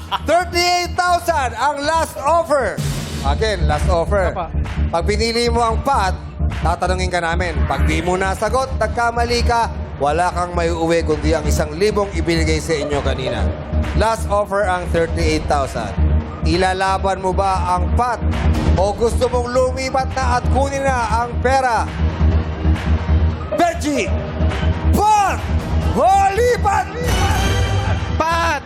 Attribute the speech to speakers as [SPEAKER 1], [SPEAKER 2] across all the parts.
[SPEAKER 1] 38,000 ang last offer. Again, last offer.
[SPEAKER 2] Apa.
[SPEAKER 1] Pag pinili mo ang pot, tatanungin ka namin. Pag di mo nasagot, nagkamali ka, wala kang may uwi kundi ang 1,000 ibinigay sa inyo kanina. Last offer ang 38,000. Ilalaban mo ba ang pot? O gusto mong lumipat na at kunin na ang pera? Benji! Pot! O lipat!
[SPEAKER 2] Pat!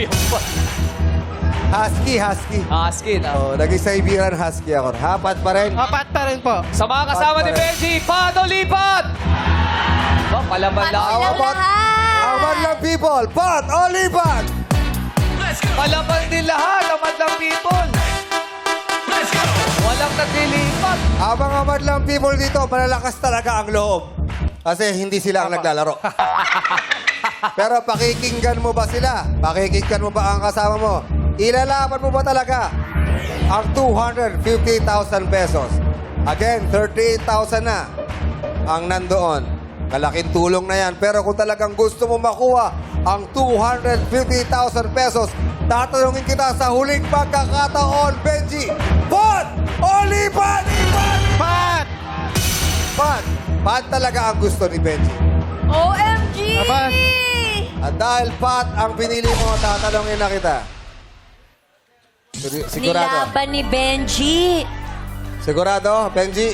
[SPEAKER 1] Husky, husky.
[SPEAKER 3] Askin.
[SPEAKER 1] Oh, naging Siberian husky ako. Hapat pa rin.
[SPEAKER 2] Pat pa rin po.
[SPEAKER 3] Sa mga kasama ni Benji, paano lipat? Oh, palaban lang.
[SPEAKER 1] How about, how about lang people? Pot o lipat?
[SPEAKER 3] Palaban din lahat, ang madlang people. Walang naglilipat.
[SPEAKER 1] Ang mga madlang people dito, malalakas talaga ang loob. Kasi hindi sila ang naglalaro. Pero pakikinggan mo ba sila? Pakikinggan mo ba ang kasama mo? Ilalaban mo ba talaga ang 250,000 pesos? Again, 38,000 na ang nandoon. Malaking tulong na yan. Pero kung talagang gusto mo makuha ang 250,000 pesos, tatanungin kita sa huling pagkakataon, Benji. Pot o lipat?
[SPEAKER 2] Pat!
[SPEAKER 1] Pot. Pot talaga ang gusto ni Benji.
[SPEAKER 4] OMG!
[SPEAKER 2] Aba.
[SPEAKER 1] At dahil pot ang pinili mo, tatanungin na kita. Sigurado?
[SPEAKER 4] Nilaban ni Benji.
[SPEAKER 1] Sigurado, Benji?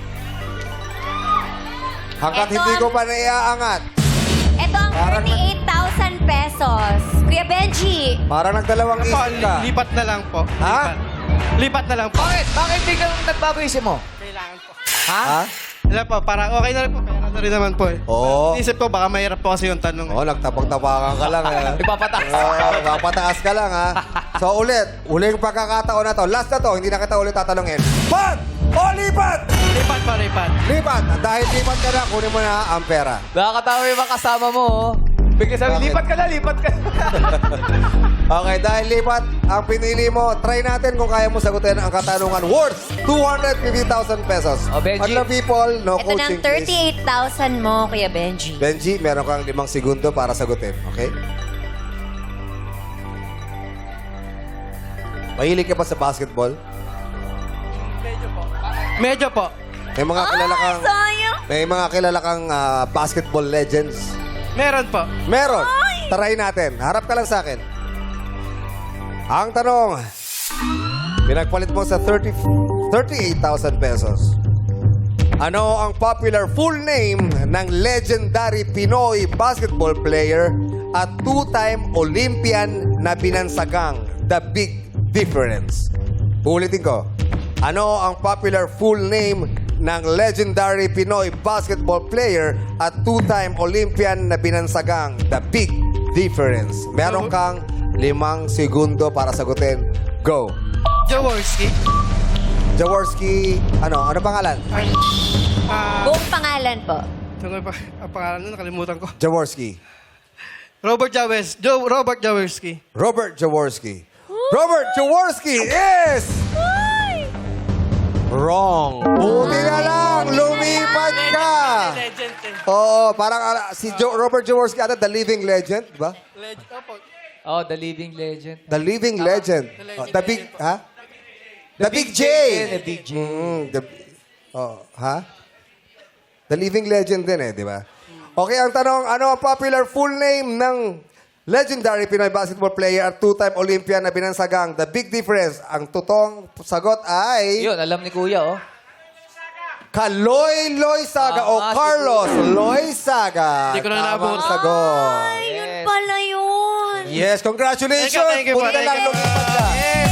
[SPEAKER 1] Hanggat
[SPEAKER 4] Ito
[SPEAKER 1] hindi ko
[SPEAKER 4] ang-
[SPEAKER 1] pa naiaangat.
[SPEAKER 4] Ito ang
[SPEAKER 1] Parang-
[SPEAKER 4] 38,000 pesos. Kuya Benji.
[SPEAKER 1] Parang nagdalawang
[SPEAKER 2] Po,
[SPEAKER 1] isip ka.
[SPEAKER 2] lipat na lang po.
[SPEAKER 1] Ha?
[SPEAKER 2] Lipat na lang po.
[SPEAKER 3] Bakit? Bakit di ka nagbago isip mo?
[SPEAKER 2] Kailangan po.
[SPEAKER 1] Ha?
[SPEAKER 2] Wala po, parang okay na rin po. Pera na rin naman po eh.
[SPEAKER 1] Oo.
[SPEAKER 2] Isip ko, baka mahirap po kasi yung tanong.
[SPEAKER 1] Oo, nagtapag-tapakan ka lang.
[SPEAKER 3] Ipapataas.
[SPEAKER 1] Papataas ka lang, ha? So, ulit. Uling pagkakataon na to. Last na to. Hindi na kita ulit tatanungin. Pot o lipat?
[SPEAKER 2] Lipat pa, lipat.
[SPEAKER 1] Lipat. At dahil lipat ka na, kunin mo na ang pera.
[SPEAKER 3] Nakakatawa yung mga kasama mo, oh. Bigla sabi,
[SPEAKER 1] Bakit?
[SPEAKER 3] lipat ka na, lipat ka na.
[SPEAKER 1] Okay, dahil lipat ang pinili mo, try natin kung kaya mo sagutin ang katanungan worth 250,000 pesos.
[SPEAKER 3] Oh, Benji.
[SPEAKER 1] Madlang people, no
[SPEAKER 4] Ito ng
[SPEAKER 1] coaching please.
[SPEAKER 4] 38,000 mo, Kuya Benji.
[SPEAKER 1] Benji, meron kang 5 segundo para sagutin. Okay? Mahilig ka pa sa basketball?
[SPEAKER 2] Medyo po.
[SPEAKER 1] May mga kilala kang
[SPEAKER 4] Sayang.
[SPEAKER 1] may mga kilala kang basketball legends.
[SPEAKER 2] Meron po.
[SPEAKER 1] Meron. Try natin. Harap ka lang sa akin. Ang tanong, pinagpalit mo sa 38,000 pesos. Ano ang popular full name ng legendary Pinoy basketball player at two-time Olympian na binansagang The Big Difference? Ulitin ko. Ano ang popular full name ng legendary Pinoy basketball player at two-time Olympian na binansagang The Big Difference? Meron kang 5 segundo para sagutin. Go.
[SPEAKER 2] Jaworski.
[SPEAKER 1] Jaworski, ano pangalan?
[SPEAKER 4] Buong pangalan po.
[SPEAKER 2] Ano pa? Ang pangalan nun, nakalimutan ko.
[SPEAKER 1] Jaworski.
[SPEAKER 2] Robert Jaworski.
[SPEAKER 1] Robert Jaworski. Robert Jaworski is wrong. Buti na lang, lumipat ka.
[SPEAKER 2] Legend eh.
[SPEAKER 1] Oo, parang si Robert Jaworski, the living legend, di ba?
[SPEAKER 2] Legend. Opo.
[SPEAKER 3] Oh, the living legend.
[SPEAKER 1] The living legend. The big, ha? The Big J.
[SPEAKER 3] The Big J.
[SPEAKER 1] Ha? The living legend din di ba? Okay, ang tanong, ano ang popular full name ng legendary Pinoy basketball player at two-time Olympian na binansagang The Big Difference? Ang totoong sagot ay
[SPEAKER 3] Yun, alam ni Kuya, oh.
[SPEAKER 1] Kaloy Loizaga o
[SPEAKER 3] Tama,
[SPEAKER 1] Carlos Loizaga.
[SPEAKER 2] Hindi ko na
[SPEAKER 1] Tamang
[SPEAKER 2] naabot.
[SPEAKER 1] sagot.
[SPEAKER 4] Ay, yun pala yun.
[SPEAKER 1] Yes, congratulations.
[SPEAKER 2] Thank you po.
[SPEAKER 1] Buti na lang
[SPEAKER 2] Thank you.
[SPEAKER 1] lumipat ka.